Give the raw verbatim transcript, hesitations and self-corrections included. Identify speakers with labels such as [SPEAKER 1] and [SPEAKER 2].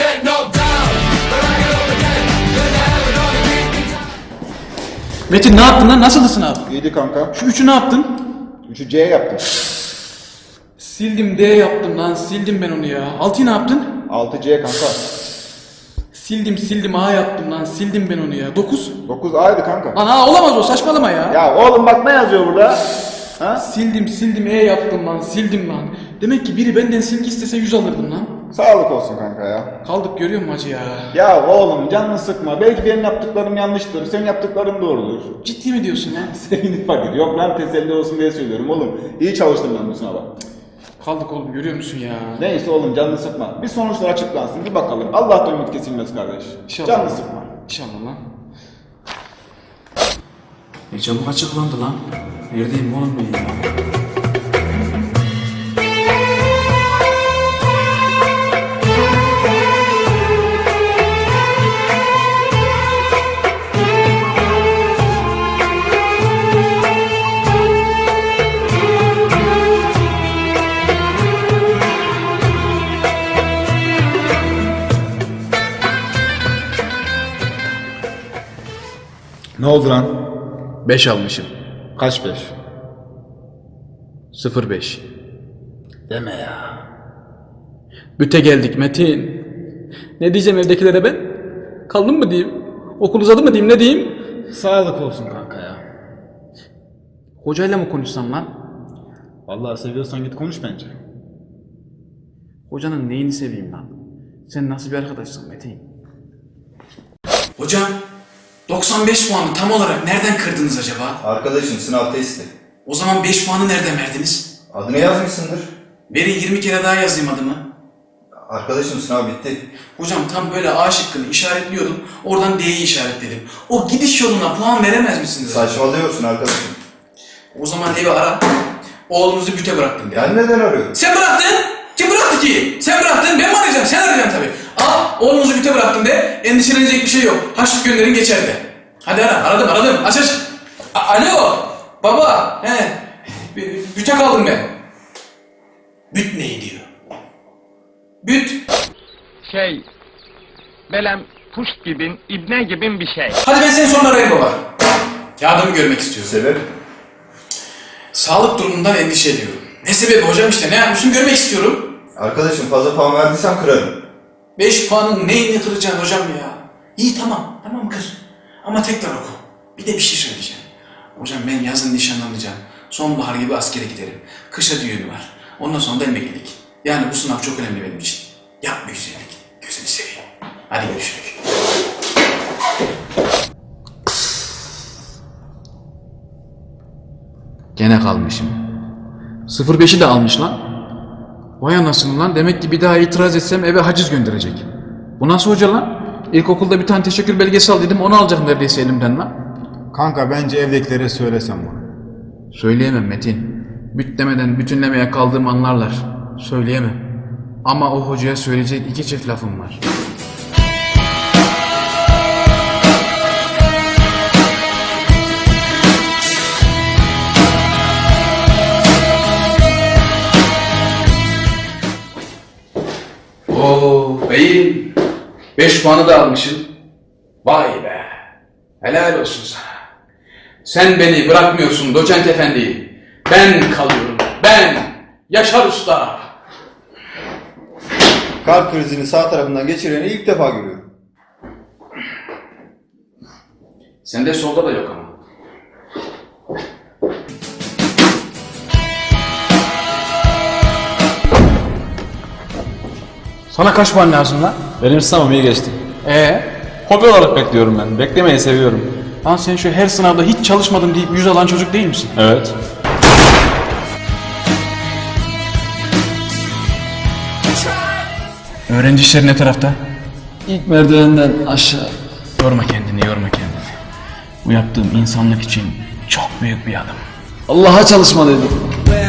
[SPEAKER 1] get knocked down, but I get up again, 'cause I haven't got a beat.
[SPEAKER 2] Metin ne yaptın lan? Nasıldı sınav?
[SPEAKER 3] İyiydi kanka.
[SPEAKER 2] Şu üçü ne yaptın?
[SPEAKER 3] Üçü C yaptım.
[SPEAKER 2] Sildim D yaptım lan. Sildim ben onu ya. Altıyı ne yaptın?
[SPEAKER 3] altı C kanka.
[SPEAKER 2] Sildim sildim A yaptım lan. Sildim ben onu ya. Dokuz.
[SPEAKER 3] dokuz A'ydı kanka.
[SPEAKER 2] Lan A olamaz o, saçmalama ya.
[SPEAKER 3] Ya oğlum bak ne yazıyor burada? Ha?
[SPEAKER 2] Sildim sildim E yaptım lan. Sildim lan. Demek ki biri benden silgi istese yüz alırdım lan.
[SPEAKER 3] Sağlık olsun kanka ya.
[SPEAKER 2] Kaldık görüyor musun acı ya?
[SPEAKER 3] Ya oğlum canını sıkma. Belki benim yaptıklarım yanlıştır. Senin yaptıkların doğrudur.
[SPEAKER 2] Ciddi mi diyorsun lan?
[SPEAKER 3] Senin fakir. Yok lan teselli olsun diye söylüyorum oğlum. İyi çalıştım ben bu sınava.
[SPEAKER 2] Kaldık oğlum görüyor musun ya?
[SPEAKER 3] Neyse oğlum canını sıkma. Bir sonuçlar açıklansın bir bakalım. Allah'tan ümit kesilmez kardeş.
[SPEAKER 2] İnşallah.
[SPEAKER 3] Canını sıkma.
[SPEAKER 2] İnşallah lan. Ne çabuk açıklandı lan. Neredeyim oğlum ben ya?
[SPEAKER 3] Ne oldu lan?
[SPEAKER 2] Beş almışım.
[SPEAKER 3] Kaç beş?
[SPEAKER 2] Sıfır beş.
[SPEAKER 3] Deme ya.
[SPEAKER 2] Büte geldik Metin. Ne diyeceğim evdekilere ben? Kaldım mı diyeyim? Okul uzadı mı diyeyim, ne diyeyim?
[SPEAKER 3] Sağlık olsun kanka ya.
[SPEAKER 2] Hocayla mı konuşsam lan?
[SPEAKER 3] Vallahi seviyorsan git konuş bence.
[SPEAKER 2] Hocanın neyini seveyim lan? Sen nasıl bir arkadaşsın Metin? Hocam, doksan beş puanı tam olarak nereden kırdınız acaba?
[SPEAKER 4] Arkadaşım sınav testi.
[SPEAKER 2] O zaman beş puanı nereden verdiniz?
[SPEAKER 4] Adını yazmışsındır.
[SPEAKER 2] Verin yirmi kere daha yazayım adımı.
[SPEAKER 4] Arkadaşım sınav bitti.
[SPEAKER 2] Hocam tam böyle A şıkkını işaretliyordum. Oradan D'yi işaretledim. O gidiş yoluna puan veremez misiniz?
[SPEAKER 4] Saçmalıyorsun arkadaşım.
[SPEAKER 2] O zaman evi ara. Oğlunuzu büte bıraktım de.
[SPEAKER 4] Ben neden arıyorum?
[SPEAKER 2] Sen bıraktın. Kim bıraktı ki? Sen bıraktın. Ben mi arayacağım? Sen arayacaksın tabii. Al oğlunuzu büte bıraktım de. Endişelenecek bir şey yok. Haçlık gönderin geçer de. Hadi ara. Aradım aradım. Aç aç. A- Alo. Baba. He. B- Büte kaldım ben. Büt ne diyor? Büt.
[SPEAKER 5] Şey, belem puşt gibin, ibne gibin bir şey.
[SPEAKER 2] Hadi ben seni sonra arayayım baba. Yardımı görmek istiyorum.
[SPEAKER 4] Sebep?
[SPEAKER 2] Sağlık durumundan endişe ediyorum. Ne sebebi hocam işte? Ne yapmışım görmek istiyorum.
[SPEAKER 4] Arkadaşım fazla puan verdiysem kırarım.
[SPEAKER 2] Beş puanın neyini kıracaksın hocam ya? İyi tamam, tamam kır. Ama tekrar oku. Bir de bir şey söyleyeceğim. Hocam ben yazın nişanlanacağım. Sonbahar gibi askere giderim. Kışa düğün var. Ondan sonra da emeklilik. Yani bu sınav çok önemli benim için. Yapma güzellik. Gözünü seveyim. Hadi görüşürüz. Gene kalmışım. sıfır beşi de almış lan. Vay anasını lan. Demek ki bir daha itiraz etsem eve haciz gönderecek. Bu nasıl hoca lan? İlkokulda bir tane teşekkür belgesi al dedim, onu alacak neredeyse elimden lan.
[SPEAKER 3] Kanka bence evdekilere söylesem bunu.
[SPEAKER 2] Söyleyemem Metin. Büt demeden bütünlemeye kaldığım anlarlar. Söyleyemem. Ama o hocaya söyleyecek iki çift lafım var. Oo beyim. Beş puanı da almışım. Vay be. Helal olsun sana. Sen beni bırakmıyorsun doçent efendi. Ben kalıyorum. Ben. Yaşar Usta.
[SPEAKER 4] Kalp krizini sağ tarafından geçireni ilk defa görüyorum.
[SPEAKER 2] Sende solda da yok ama. Sana kaç puan lazım lan?
[SPEAKER 6] Benim sınavım iyi geçti.
[SPEAKER 2] Ee?
[SPEAKER 6] Hobi olarak bekliyorum ben. Beklemeyi seviyorum.
[SPEAKER 2] Lan sen şu her sınavda hiç çalışmadım deyip yüz alan çocuk değil misin?
[SPEAKER 6] Evet.
[SPEAKER 2] Öğrenci işleri ne tarafta?
[SPEAKER 6] İlk merdivenden aşağı.
[SPEAKER 2] Yorma kendini, yorma kendini. Bu yaptığım insanlık için çok büyük bir adım.
[SPEAKER 6] Allah'a çalışmalıydım.